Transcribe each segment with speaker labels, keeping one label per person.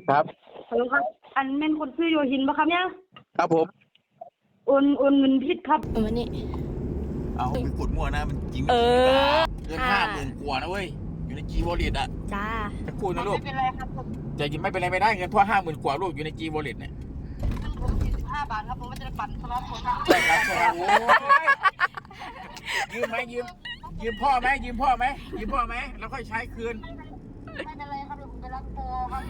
Speaker 1: ครับ
Speaker 2: ฮัลโหลครับอันแม่นคนชื่อโยฮินปะครับเนี่ย
Speaker 1: ครับผม
Speaker 2: โอนเงินผิดครับ
Speaker 3: วันนี้
Speaker 1: เอาไปกดมั่วนะมันจริงไม่จริงไม่กล้าเงิน50,000 กว่านะเว้ยอยู่ในจีวอลเล็ตอ่ะ
Speaker 3: จ้า
Speaker 1: จะกู้นะลูก
Speaker 2: ไม่เป็นไรครับผม
Speaker 1: แต่ยังไม่เป็นไรไม่ได้เงินเพราะ50,000 กว่าลูกอยู่ในจีวอลเล็ตเนี่ย
Speaker 2: ผม45 บาทครับผมไม่จะปั่นสล็อตคนครับ
Speaker 1: ใช่ครับใช่ครับโอ้ยยืมไหมยืมพ่อไหมยืมพ่อไหมแล้วค่อยใช้คืน
Speaker 2: ไม่เป็นไรครับเดี๋ยวผมไปรับโปรครับ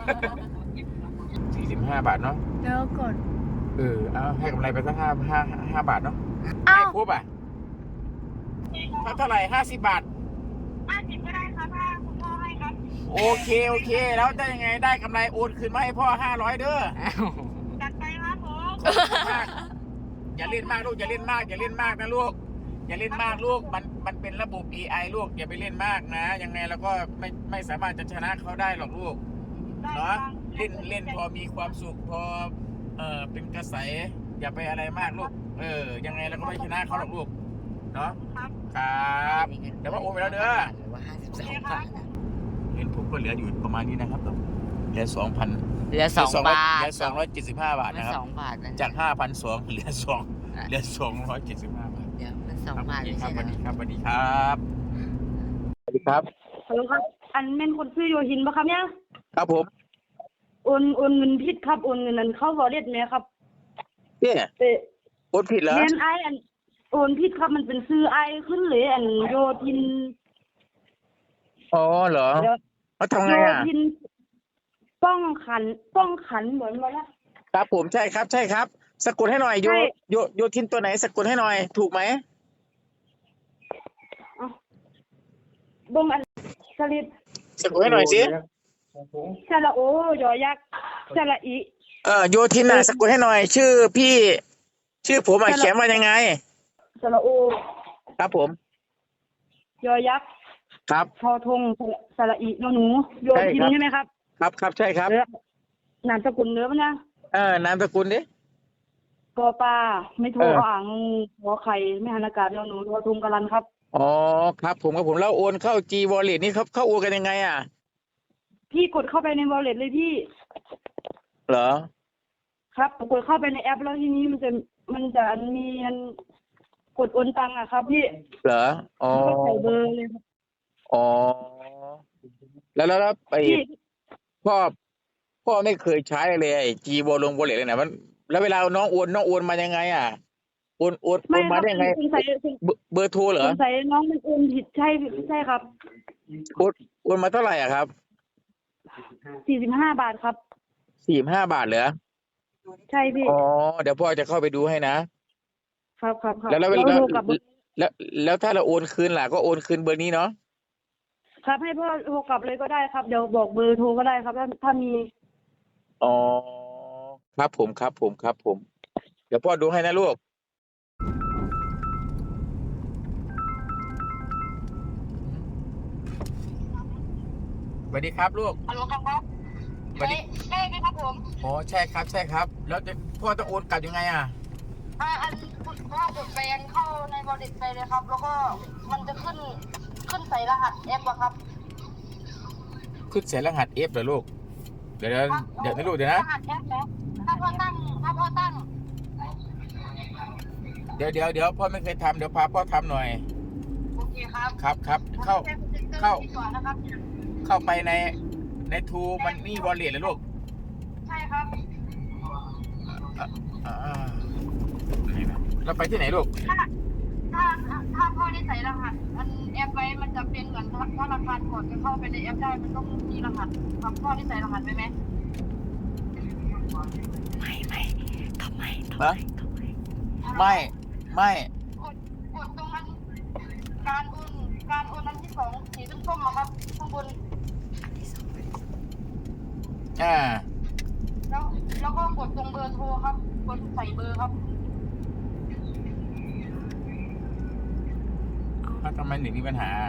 Speaker 1: 45 บาทเนาะ
Speaker 3: แล้วกด
Speaker 1: เอาให้กำไรไปสัก5 บาทเนาะ
Speaker 3: อ้าว
Speaker 1: ไม่ครบอ่ะเท่าไหร่50 บาท
Speaker 2: 50ก็ได้ครับถ้าคุณพ่อให้ครับ
Speaker 1: โอเคแล้วได้ยังไงได้กำไรโอนคืนมาให้พ่อ500เด้อ
Speaker 2: จัดไปครับผม
Speaker 1: อย่าเล่นมากลูกอย่าเล่นมากนะลูกอย่าเล่นมากลูกมันเป็นระบบ AI ลูกอย่าไปเล่นมากนะยังไงเราก็ไม่สามารถจะชนะเขาได้หรอกลูกเนาะเล่นพอมีความสุขพอเป็นกระแสอย่าไปอะไรมากลูกยังไงเราก็ไม่ชนะเขาหรอกลูกเนาะครับเดี๋ยวว่าโอนไปแล้วเด้อ
Speaker 3: หรือว่า52 บาท
Speaker 1: เงินผมก็เหลืออยู่ประมาณนี้นะครับเหลือ 2,000
Speaker 3: เหลือ2 บาท
Speaker 1: เหลือ275 บาทนะครับ
Speaker 3: 2 บาทนะ
Speaker 1: จาก 5,200 เหลือ275 บาท
Speaker 3: เดี๋ยวมัน2 บาทไม่
Speaker 1: ครั
Speaker 3: ใช่
Speaker 1: บ
Speaker 3: เหรอ
Speaker 1: สวัสดีครับสวัสดีครับ
Speaker 2: ฮัลโหลครับอันแม่นคนชื่อโยฮินปะครับเนี่ย
Speaker 1: ครับผม
Speaker 2: โอนเงินผิดครับโอนเงินนั้นเข้าวอลเล็ตไหมครับ
Speaker 1: เนี่ย
Speaker 2: แต่
Speaker 1: โอนผิดเหรอ
Speaker 2: แม่นไออันโอนผิดครับมันเป็นชื่อไอขึ้นเลยอันโยทิน
Speaker 1: อ๋อเหรอ
Speaker 2: เดี๋ยว
Speaker 1: เขาทำไง
Speaker 2: โย
Speaker 1: อ่ะ
Speaker 2: ทินป้องขันเหมือนว่าละ
Speaker 1: ครับผมใช่ครับสะกดให้หน่อยโยทินตัวไหนสะกดให้หน่อยถูกไหม
Speaker 2: บงอันสลิด
Speaker 1: สะกดให้หน่อยสิ
Speaker 2: สระโอยอยักษ์สระอี
Speaker 1: โยทินน่ะสะกดให้หน่อย ชื่อพี่ชื่อผมอ่ะเขียนว่ายังไง
Speaker 2: สระโอ
Speaker 1: ครับผม
Speaker 2: ยอยักษ์
Speaker 1: ครับ
Speaker 2: ทอทงสระอีนอหนูโยทิน
Speaker 1: ใช่ครับ
Speaker 2: ใช่ไหมครับ
Speaker 1: ครับใช่ครับ
Speaker 2: เนื้อนามสกุลเนื้อปะนะ
Speaker 1: นามสกุลดิ
Speaker 2: ปอปลาไม่โทรอ่างหัวไข่ไม่หันอากาศนอหนูทอทงกะลันครับ
Speaker 1: อ๋อครับผมแล้วโอนเข้า G Wallet นี่เขาโอนกันยังไงอ่ะ
Speaker 2: พี่กดเข้าไปในวอลเล็ตเลยพี่
Speaker 1: เหรอ
Speaker 2: ครับกดเข้าไปในแอปแล้วทีนี้มันจะมีอันกดโอนตังค์อะครับพี่
Speaker 1: เหรออ๋อ
Speaker 2: ก็ใส่เบอร์เลยครับ
Speaker 1: อ๋อแล้วไอ้
Speaker 2: พี่
Speaker 1: พ่อไม่เคยใช้เลยไอ้ G Wallet เลยนะมันแล้วเวลาน้องโอนมายังไงอ่ะโอน
Speaker 2: ไม่ค
Speaker 1: มา
Speaker 2: รับ
Speaker 1: ได้ยังไง
Speaker 2: สงสัย
Speaker 1: เบอร์โทรเหร
Speaker 2: ส
Speaker 1: อง
Speaker 2: สัยน้องมันโอนผิดใช่ครับ
Speaker 1: โอนมาเท่าไหร่อ่ะครับ
Speaker 2: 45 บาทครับ
Speaker 1: 45 บาทเหรอ
Speaker 2: ใช่พี่
Speaker 1: อ๋อเดี๋ยวพ่อจะเข้าไปดูให้นะครับ แล้ว
Speaker 2: โทรกลับ
Speaker 1: แล้วถ้าเราโอนคืนล่ะก็โอนคืนเบอร์นี้เนาะ
Speaker 2: ครับให้พ่อโทรกลับเลยก็ได้ครับเดี๋ยวบอกเบอร์โทรก็ได้ครับถ้ามี
Speaker 1: อ๋อครับผมเดี๋ยวพ่อดูให้นะลูกสวัสดีครับลูก
Speaker 2: ฮัลโหลครับ
Speaker 1: สวัสดี
Speaker 2: ใช่ไหมครับผม
Speaker 1: อ๋อใช่ครับแล้วพ่อจะโอนกลับยังไงอ่ะ
Speaker 2: อันคุณพ่อกดแปลงเข้าในวอลเล็ตไปเลยครับ แล้วก็มันจะขึ้นใส่รหัสแอปอะครับ
Speaker 1: ขึ้นเสียรหัส F เหรอลูกเดี๋ยวนะลูกเดี๋ยวนะ
Speaker 2: รหัสแอปนะถ้าพ่อตั้ง
Speaker 1: เดี๋ยวพ่อไม่เคยทำเดี๋ยวพาพ่อทำหน่อย
Speaker 2: โอเคครับ
Speaker 1: ครับเข้า
Speaker 2: ก่อนนะครับ
Speaker 1: เข้าไปในทูมันนี่วอลเล็ตเลยลูก
Speaker 2: ใช่ครับ
Speaker 1: นี่นะเราไปที่ไหนลูก
Speaker 2: ถ้าพ่อได้ใส่รหัสอันแอปไว้มันจะเป็นเหมือนธนาคารก่อนจะเข้าไปในแอปได้มันต้องมีรหัสครับพ่อได้ใส่รหัสไปไหม
Speaker 3: ไม่ทำไม
Speaker 1: ฮะไม่
Speaker 2: กดตรงนั้นการโอนอันที่2สีส้มๆอะครับข้างบน แล้วก็กดตรงเบอร์โทรครับกดใส่เบอร์ครับ
Speaker 1: ทำไมหนึ่งมีปัญหา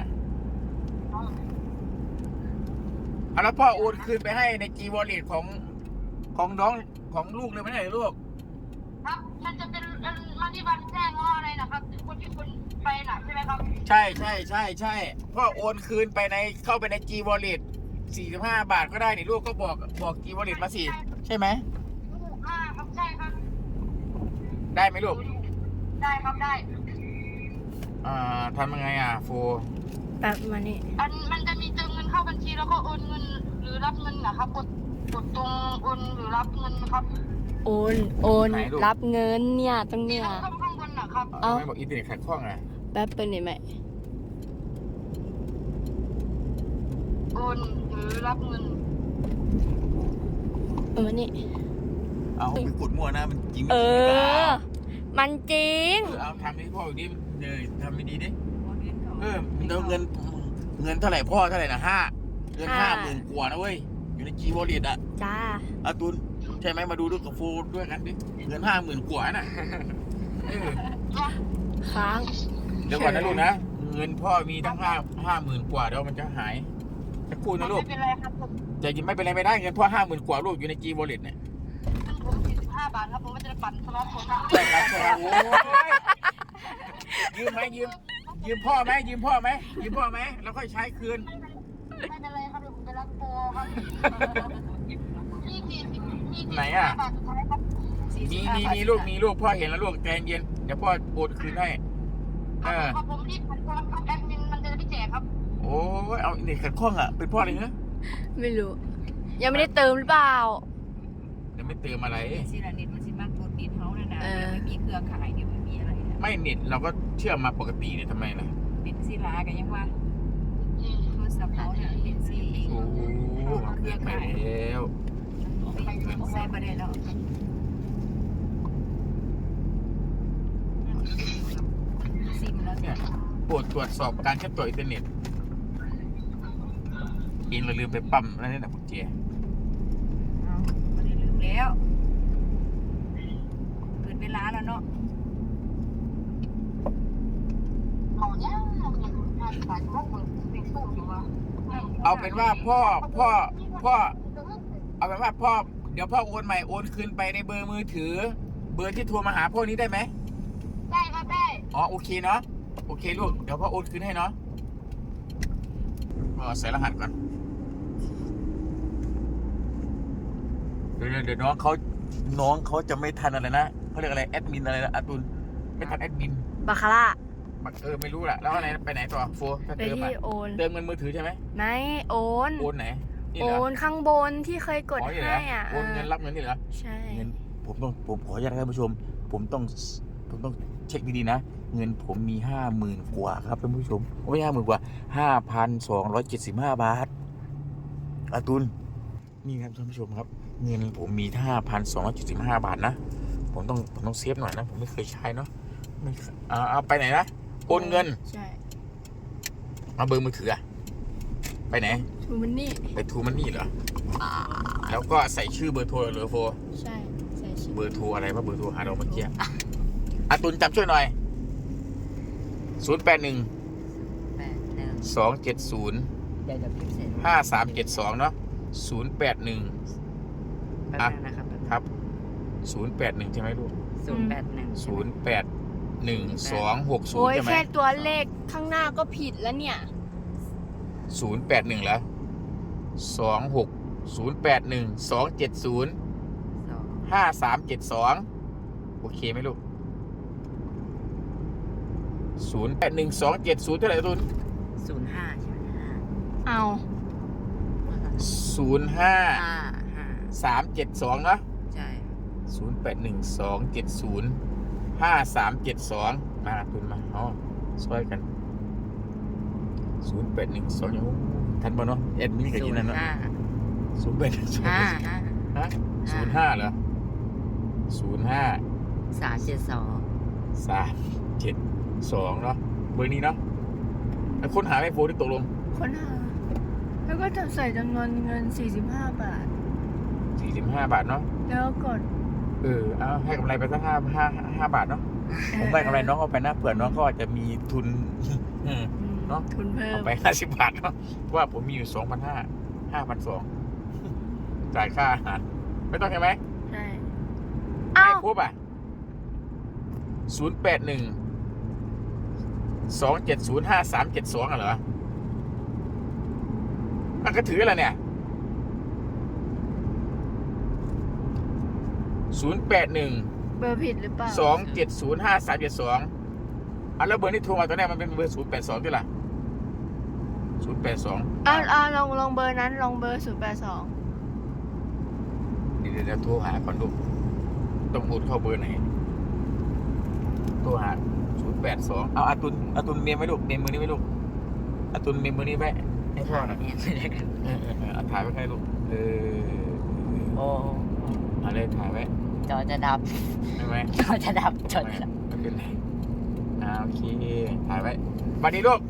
Speaker 1: แล้วพ่อโอนคืนไปให้ใน G Wallet ของน้องของลูกเลยไม่ใช่เหรอลูก
Speaker 2: ครับมันจะเป็นมาที่บันแจ้งว่าอะไรนะครับคนที่คุณไปน่ะใช่ไหมครับ
Speaker 1: ใช่พ่อโอนคืนไปเข้าไปใน G Wallet 45 บาทก็ได้นี่ลูกก็บอกกีวอลเล็ตมาสิใช่ไหม
Speaker 2: ครับใช่ครับ
Speaker 1: ได้ไหมลูก
Speaker 2: ได้ครับได้
Speaker 1: ทำยังไงโฟ
Speaker 3: แป๊บมานี่
Speaker 2: มันจะมีเติมเงินเข้าบัญชีแล้วก็โอนเงินหรือรับเงินนะครับกดตรงโอนหรือรับเงินครับ
Speaker 3: โอนรับเงินเนี่ยตรงเนี้ย
Speaker 2: ข้างบนนะครับ
Speaker 3: เอ้า
Speaker 1: ไม่บอกอินเทอร์เน็ตขัดข้อง
Speaker 3: แป๊บเป็นไหม
Speaker 2: โอนหรือรับเงิน
Speaker 3: มานี่
Speaker 1: เอาไปกดมั่วนะมันจริง
Speaker 3: มันจริง
Speaker 1: เอาทำให้พ่ออยู่ดิทำไม่ดีดิแล้วเงินเท่าไหร่พ่อเท่าไหร่นะเงิน 50,000 กว่านะเว้ยอยู่ในจีวอลเล็ต
Speaker 3: จ้า
Speaker 1: ตุนใช่ไหมมาดูด้วยกับโฟด้วยกันดิเงิน 50,000 กว่าน่ะ
Speaker 3: ค้าง
Speaker 1: เดี๋ยวก่อนนะลูกนะเงินพ่อมีทั้ง50,000 กว่าเดี๋ยวมันจะหายจะพูดนะลูก
Speaker 2: ไม่เป็นไรครับผม
Speaker 1: แต่ยังไม่เป็นไรไม่ได้เงินพ่อ50,000 กว่าลูกอยู่ในจีวอลเล็ตเนี่ย
Speaker 2: ผม45 บาทครับผมไม่จะปั่นสล็อตผมนะ
Speaker 1: ใช่ครับใช่ครับโอ้ยยืมไหมยืมพ่อไหมแล้วค่อยใช้คืน
Speaker 2: ไม่เป็นไรครับเดี๋ยวผมไปรับโปรครับ
Speaker 1: ไหนอ่ะ
Speaker 2: บาทสุดท้ายครับ
Speaker 1: มีลูกพ่อเห็นแล้วลูกใจเย็นเดี๋ยวพ่อโอนคืนให้
Speaker 2: ครับผมรีบผ่านตัวครับแอดมินมันจะได้แจกครับ
Speaker 1: โอ้ยเอาเด็กขัดข้องเป็นพ่ออะไรเงี้ย
Speaker 3: ไม่รู้ ยังไม่ได้เติมหรือเปล่า
Speaker 1: เดี๋ยวไม่เติมอะไร
Speaker 4: สิละนิดมันสิมากกดนิดเขาเนี่ยนะไม่มีเครือข่ายเนี่ยไม่มีอะไรนะ
Speaker 1: ไม่เน็ตเราก็เชื่อมมาปกติเนี่ยทำไมล่ะ
Speaker 4: เป็นศิลากันยังว่าโทรศัพท์เขาเนี่ยเป็นสี
Speaker 1: โอ้เกินไปแล้ว
Speaker 4: ใส่ประเด็นแล้วซิมแล้ว
Speaker 1: เนี่ยโปรดตรวจสอบการเชื่อมต่ออินเทอร์เน็ตอินเราลืมไปปั๊มนั่นนะคุณเจ
Speaker 4: เอาไม่ได้ลืมแล้วเกิดเวลาแล้วเนาะ
Speaker 2: เอาเนี่ย50 บาทพวกมึงเป็นสู้อยู่วะ
Speaker 1: เอาเป็นว่าพ่อเอาเป็นว่าพ่อเดี๋ยวพ่อโอนใหม่โอนคืนไปในเบอร์มือถือ เบอร์ที่โทรมาหาพ่อนี้ได้ไหม
Speaker 2: ได้ครับได้
Speaker 1: อ๋อโอเคเนาะโอเคลูกเดี๋ยวพ่อโอนคืนให้เนาะใส่รหัสก่อนเดี๋ยวน้องเขาจะไม่ทันอะไรนะเขาเรียกอะไรแอดมินอะไรนะอาตุลไม่ทันแอดมิน
Speaker 3: บาคาร่า
Speaker 1: ไม่รู้แหละแล้วอะไรไปไหนต่อโฟถ้า
Speaker 3: ไป
Speaker 1: เติม
Speaker 3: ที่โอน
Speaker 1: เติมเงินมือถือใช่ไหม
Speaker 3: ไหนโอน
Speaker 1: โอนไหนนี่
Speaker 3: โอ
Speaker 1: เหรอน
Speaker 3: ข้างบนที่เคยกด
Speaker 1: อ๋อนี่เหร
Speaker 3: ให้
Speaker 1: โอนเงินรับเงินนี่เหรอ
Speaker 3: ใช่
Speaker 1: เงินผมขออนุญาตท่านผู้ชมผมต้องเช็คดีๆนะเงินผมมี 50,000 กว่าครับท่านผู้ชมไม่ใช่50,000 กว่า 5,275 บาทอาตุลนี่ครับท่านผู้ชมครับเงินผมมี 5,275 บาทนะผมต้องเซฟหน่อยนะผมไม่เคยใช้เนาะเอาไปไหนนะโอนเงิน
Speaker 3: ใช่
Speaker 1: เอาเบอร์มือถือไปไหน
Speaker 3: ทูมันนี่
Speaker 1: ไปทูมันนี่เหรอแล้วก็ใส่ชื่อเบอร์โทรเหรอโฟ
Speaker 3: ใช่ใส่ชื่อ
Speaker 1: เบอร์โทรอะไรวะเบอร์โทรหาเราเมื่อกี้อาตุลจำช่วยหน่อย 081
Speaker 4: 8 1
Speaker 1: 270
Speaker 4: เดี๋ยวพิมพ์เสร็จ
Speaker 1: 5372เนาะ081
Speaker 4: แป๊บนึงนะครับ
Speaker 1: ครับ 081ใช่ไหมลูก
Speaker 4: 081
Speaker 1: 081
Speaker 3: โอ้
Speaker 1: 260
Speaker 3: ย
Speaker 1: ใช่ไหม
Speaker 3: แค่ตัวเลขข้างหน้าก็ผิดแล้วเนี่ย
Speaker 1: 081แล้ว26 081 270 5372โอเคไหมลูก081270เท่าไหร่ตุน
Speaker 4: 05ใช่ไหม
Speaker 3: เอา
Speaker 1: 05 372เนาะ
Speaker 4: ใช่
Speaker 1: 081270 5372มาตุนมาช่วยกัน0812ยังทันบ่เนาะแอดมินกับยินนั่นเนาะ0812
Speaker 4: 5
Speaker 1: ฮะ05เหรอ05
Speaker 4: 372
Speaker 1: 372เนาะเบอร์นี้เนาะแล้วค้นหาไม่โฟนที่ตกลง
Speaker 3: ค้นหาแล้วก็จะใส่จำนวนเงิน45 บาท
Speaker 1: 45 บาทเนาะ
Speaker 3: แล้วกด
Speaker 1: เอาให้กำไรไปสัก5 บาทเนาะผมได้กำไรน้องเอาไปนะเผื่อน้องเขาอาจจะมีทุน เนาะ
Speaker 3: ทุนเพิ่ม
Speaker 1: เอาไป50 บาทเนาะว่าผมมีอยู่ 2,500 5,200จ่ายค่าอาหารไม่ต้องใช่ไหม
Speaker 3: ใช่
Speaker 1: ไม่
Speaker 3: อ้าว
Speaker 1: ครบ081 270 5372เหรอมันก็ถืออะไรเนี่ย081
Speaker 3: เบอร์ผิดหรือเปล่า
Speaker 1: 2705372อ่ะแล้วเบอร์ที่โทรมาตอนแรกมันเป็นเบอร์082ด้วยล่ะ082
Speaker 3: ลองเบอร์นั้นลองเบอร์082
Speaker 1: เดี๋ยวโทรหาก่อนลูกต้องพูดเข้าเบอร์ไหนโทรหา082เอาอาตุนเมมไว้ลูกเมมมือนี้ไว้ลูกอาตุนเมมมือนี้ไว้ให้พ่อหน่อยเอาถ่ายไว้ให้ลูก
Speaker 5: โอ้
Speaker 1: อะไรถ่ายไว้
Speaker 5: จอจะดับ
Speaker 1: ได้ไหม
Speaker 5: จอจะดับจอจะดับ
Speaker 1: ไม่เป็นไรโอเคถ่ายไว้สวัสดีลูก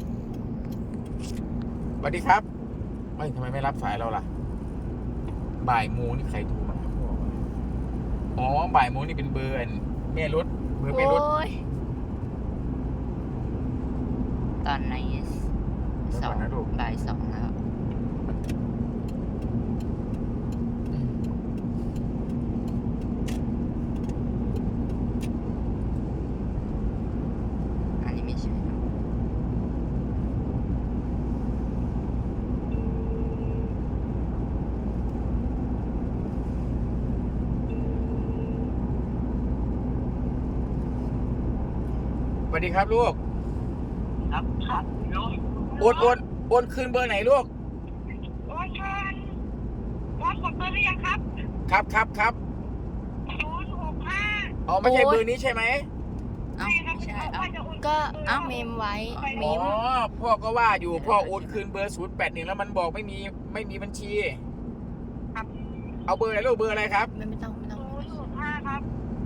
Speaker 1: สวัสดีครับเฮ้ยทำไมไม่รับสายเราล่ะบ่ายโมงนี่ใครโทรมาอ๋อบ่ายโมงนี่เป็นเบอร์แม่รถเบอร์แม่รถ
Speaker 3: โอ้ย
Speaker 5: ตอนไหนบ่าย 2แล้วอันนี้ไม่ใช่
Speaker 1: สวัสดีครับลูก
Speaker 2: ครับครับลูก
Speaker 1: โอนคืนเบอร์ไหนลูก
Speaker 2: โอ้ยค่ะวัดกดเบอร์หรือยังครับ
Speaker 1: ครับ
Speaker 2: 065
Speaker 1: อ๋อไม่ใช่เบอร์นี้ใช่ไหม
Speaker 5: เอ้าไม่ใช่เอ้า
Speaker 3: ก็เมมไว้
Speaker 1: อ๋อพ่อก็ว่าอยู่พ่อโอนคืนเบอร์081แล้วมันบอกไม่มีบัญชี
Speaker 2: ครับ
Speaker 1: เอาเบอร์อะไรลูกเบอร์อะไรครับ
Speaker 3: ไม่ต้อง
Speaker 2: 065ครับ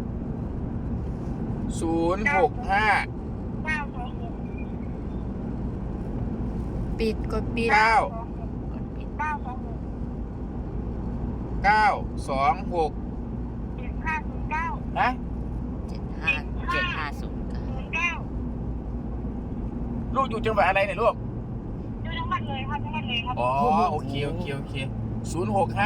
Speaker 1: 065
Speaker 2: 926
Speaker 3: ปิดกดปิด
Speaker 1: 9
Speaker 2: 926
Speaker 1: 926
Speaker 2: 7509
Speaker 1: นะ
Speaker 5: 7570
Speaker 1: ลูกอยู่จังหวัดอะไรเนี่ยลูก
Speaker 2: อยู่จังหวัดเลยครับจังหวัดเลยครับ
Speaker 1: อ๋อโอเค065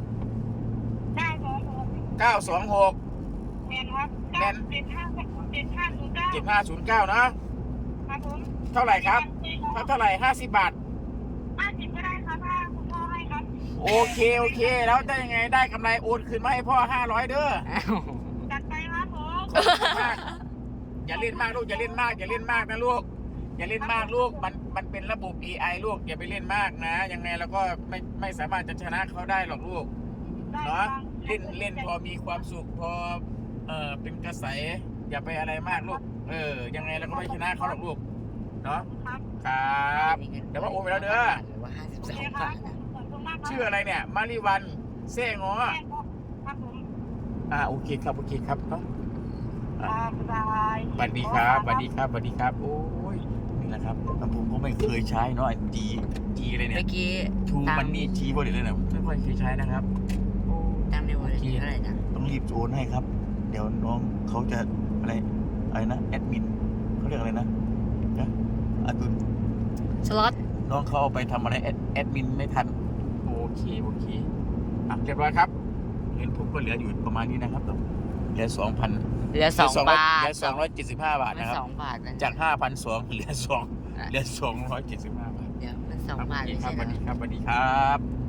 Speaker 2: 926
Speaker 1: 926
Speaker 2: แมนครับ
Speaker 1: แม่น
Speaker 2: 7509
Speaker 1: 7509นะครับ
Speaker 2: ผม
Speaker 1: เท่าไหร่ครับเท่าไหร่50 บาท
Speaker 2: 50ก็ได้ครับถ้าคุณพ่อให้ครับ
Speaker 1: โอเคแล้วได้ยังไงได้กำไรโอนคืนมาให้พ่อ500เด้อ
Speaker 5: อ้าว
Speaker 2: จัดไปครับผม
Speaker 1: มากอย่าเล่นมากลูกอย่าเล่นมากนะลูกอย่าเล่นมากลูกมันเป็นระบบ AI ลูกอย่าไปเล่นมากนะยังไงเราก็ไม่สามารถจะชนะเขาได้หรอกลูกเนาะเล่นพอมีความสุขพอเป็นกระแสอย่าไปอะไรมากลูกยังไงเราก็ไม่ชนะเขาหรอกลูกเนาะ
Speaker 2: ครับ
Speaker 1: ครับเดี๋ยวว่าโอนไปแล้วเด้อ
Speaker 5: หรือว่า
Speaker 2: โอเค
Speaker 5: 52
Speaker 2: ครับ
Speaker 5: าทนะ
Speaker 2: ขอบคุณมากครับ
Speaker 1: ชื่ออะไรเนี่ยมาริวันเซ่งอ
Speaker 2: ครับผม
Speaker 1: โอเคครับเนาะ
Speaker 2: บ๊ายบาย
Speaker 1: สวัสดีครับโอ้ยนี่แหละครับผมก็ไม่เคยใช้เนาะจีเลยเนี่ย
Speaker 5: เมื่อกี้
Speaker 1: ทูมันนี่จีบริเลยเนี่ยไม่ค่อยเคยใช้นะครับโอ้
Speaker 5: ตามในวันที่เท่าไหร่นะ
Speaker 1: ต้องรีบโอนให้ครับ เดี๋ยวน้องเขาจะอะไรนะแอดมินเขาเรียกอะไรนะอาตุน
Speaker 3: สล็อต
Speaker 1: น้องเขาเอาไปทำอะไรแอดมินไม่ทันโอเคเรียบร้อยครับเงินผมก็เหลืออยู่ประมาณนี้นะครับเหลือ 2,000
Speaker 5: เหลือ2 บาท
Speaker 1: เหลือ275 บาท
Speaker 5: มัน
Speaker 1: นะครับ
Speaker 5: 2 บาทนะ
Speaker 1: จาก 5,200 เหลือ275 บาท
Speaker 5: เดี๋ยวมัน2 บาท
Speaker 1: ค
Speaker 5: ไม่
Speaker 1: รับ
Speaker 5: ใช่
Speaker 1: สวัส
Speaker 5: เหร
Speaker 1: ดี
Speaker 5: อ
Speaker 1: ครับ